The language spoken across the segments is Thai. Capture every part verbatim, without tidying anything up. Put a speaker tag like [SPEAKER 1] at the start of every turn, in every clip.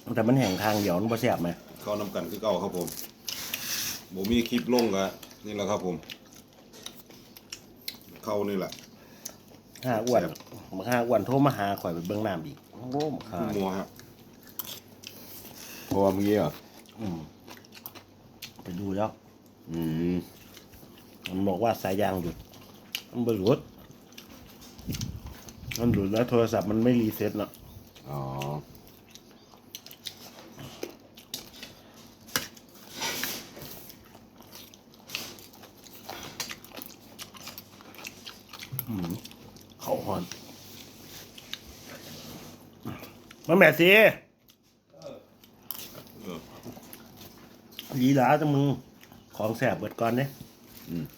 [SPEAKER 1] แต่มันแห้งทางเดียวมันบ่แซ่บไหม
[SPEAKER 2] เข้าน้ำกันคือเก่าครับผมบ่มีคลิปลงกะนี่แหละครับผมเข้านี่แหละ
[SPEAKER 1] ห้าอ้วนมาห้าอ้วนโทรมาหาข่อยไปเบิ่งน้ำอีกโอ้โหมา
[SPEAKER 2] คือมัวฮะ
[SPEAKER 3] เพราะว่าเมื่อกี้เหรอ
[SPEAKER 1] อืมไปดูแล้ว
[SPEAKER 3] อืม
[SPEAKER 1] มันบอกว่าสายยางหยุดมันบ่หลุดมันหลุดแล้วโทรศัพท์มันไม่รีเซ็ตเนาะ
[SPEAKER 3] อ๋อ
[SPEAKER 1] เขาหอนมาแม่สิ
[SPEAKER 2] เออ
[SPEAKER 1] ลีหลาจังมึงของแสบเบิดก่อนเนี่ย
[SPEAKER 3] อืม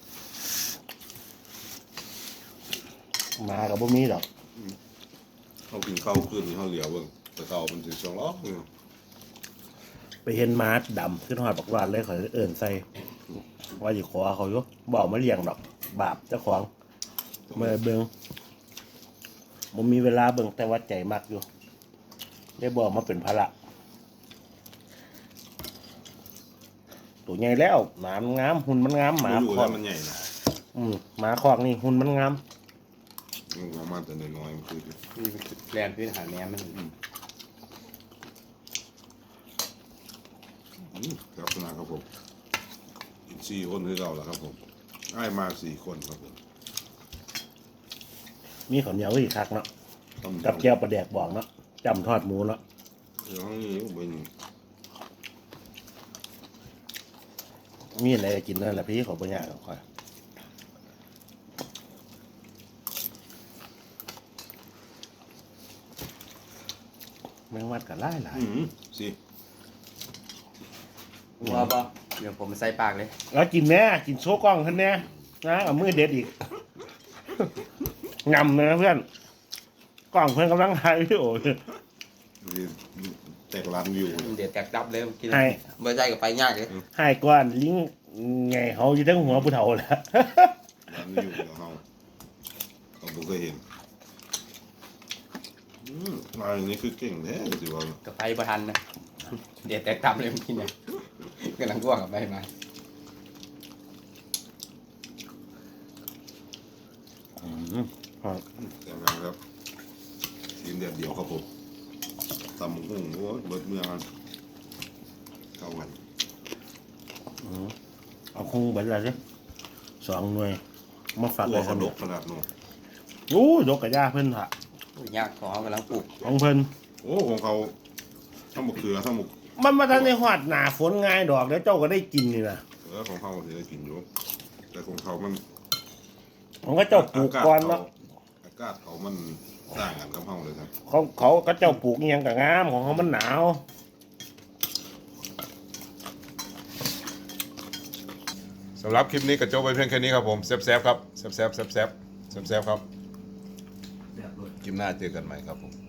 [SPEAKER 1] มากับบ่มีดอก
[SPEAKER 2] เขากินข้าวขึ้นเขาเหลียวเบิ่งแต่เก่ามันถึงสองล้อเนี่ย
[SPEAKER 1] ไปเห็นม้าดำขึ้นหอดบักวานเลยขอยเอิ่นใส่ว่าอยู่ขอเขาอยู่บอกมาเลี้ยงดอกบาปเจ้าของเมื่อเบิงผมมีเวลาเบิงแต่ว่าใจมักอยู่ได้บอกมาเป็นภาระตัวใหญ่แล้วหมามันงามหุ่นมันงามหมา
[SPEAKER 2] ไม่รู้
[SPEAKER 1] คอ
[SPEAKER 2] แล้
[SPEAKER 1] ก
[SPEAKER 2] วมันใหญ่นะ
[SPEAKER 1] อืมหมาคอกนี่หุ่นมันงาม
[SPEAKER 2] มันประมาณแต่น้อยๆมันคือ
[SPEAKER 4] นี่เป็นแกลนพื้นฐานแม่มัน
[SPEAKER 2] อืมครับนะครับผมอีกสี่คนคือเก่าแล้วครับผมได้มาสี่คนครับผม
[SPEAKER 1] มีข้าวเหนียวอีกคักเนาะ
[SPEAKER 2] ต้ม
[SPEAKER 1] กับแก้วปลาแดกบอกเนาะจำทอดหมูเนาะ
[SPEAKER 2] เดี๋ยวนี้เป็น
[SPEAKER 1] มีอะไรกินนั่นแหละพี่ขอปัญญาก่อนแมงวัดกับไล่หลาย
[SPEAKER 2] อืมสิ
[SPEAKER 4] ว่าป่ะเดี๋ยวผมใส่ปากเลย
[SPEAKER 1] แล้วกินแน่กินโชว์กล้องท่านแน่นะเอามือเด็ดอีก งำนะเพื่อนกล้องเพื่อนกำลังถ่ายวิดีโออยู่
[SPEAKER 2] แตกล้านวิวเลย
[SPEAKER 4] เดี๋ยวแตกดับเลยกิน
[SPEAKER 1] ให้
[SPEAKER 4] เมื่อใจกับไปยากเลย
[SPEAKER 1] ให้ก้อนลิงไงเขาอยู่ทั้งหัวผู้เฒ่าแหล้ว
[SPEAKER 2] ล้านวิวเดี๋ยวเขาเขาบ่เคยเห็นอืมลายนี้คือเก่งแท้สิว่า
[SPEAKER 4] กับไปประทันนะเดี๋ยวแตกดับเลยกินเนี่ยกำลังร่วงกับไปมา
[SPEAKER 2] แต่งงานครับทีมเดียดเดียวครับผมตำหุ่งโอ้ยเบิดเมืองกันเข้ากัน
[SPEAKER 1] เอาคงเบิดอะไรสิสองหน่วยมาฝาก
[SPEAKER 2] ตัว
[SPEAKER 1] เลยค
[SPEAKER 2] เขา
[SPEAKER 1] รับ
[SPEAKER 2] ดกขนาดนู้น
[SPEAKER 1] โอ้ยกกระยาเพิ่นค่ะ
[SPEAKER 4] ยากของเขากำลังปลูก
[SPEAKER 1] ของเพิ่น
[SPEAKER 2] โอ้ของเขาทั้งหมกเขือทั้งหมก
[SPEAKER 1] มันมาทันในหอดหนาฝนง่ายดอกแล้วเจ้าก็ได้กินนี่นะ
[SPEAKER 2] เออของเขาที่ได้กินอยู่แต่ของเขามัน
[SPEAKER 1] ของก็เจ้าปลูกก่อนเนาะ
[SPEAKER 2] อากาศเขามันต่างกันกับเฮาเลยครับ
[SPEAKER 1] เขาเขาก็เจ้าปลูกอิหยังกับงามของเขามันหนาว
[SPEAKER 2] สำหรับคลิปนี้ก็จบไปเพียงแค่นี้ครับผมแซ่บๆครับแซ่บๆแซ่บๆแซ่บๆครับคลิปหน้าเจอกันใหม่ครับผม